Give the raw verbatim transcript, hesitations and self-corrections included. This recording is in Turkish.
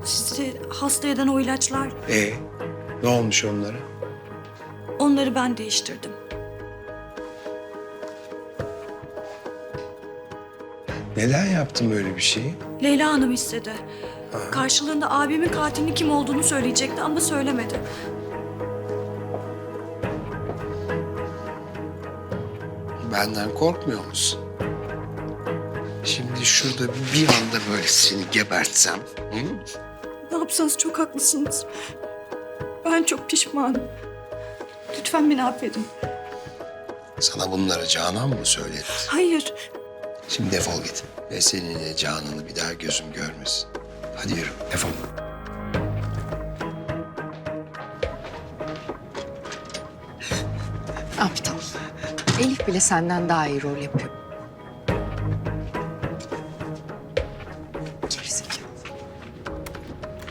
Sizi hasta eden o ilaçlar, Ee, ne olmuş onlara? onları ben değiştirdim. Neden yaptın böyle bir şeyi? Leyla Hanım istedi. Karşılığında abimin katilinin kim olduğunu söyleyecekti ama söylemedi. Benden korkmuyor musun? Şimdi şurada bir anda böyle seni gebertsem. Hı? Ne yapsanız çok haklısınız. Ben çok pişmanım. Lütfen beni affedin. Sana bunları Canan mı söyledi? Hayır. Şimdi defol git. Ve seninle Canan'ı bir daha gözüm görmesin. Hadi yürü, defol. Aptal. Elif bile senden daha iyi rol yapıyor.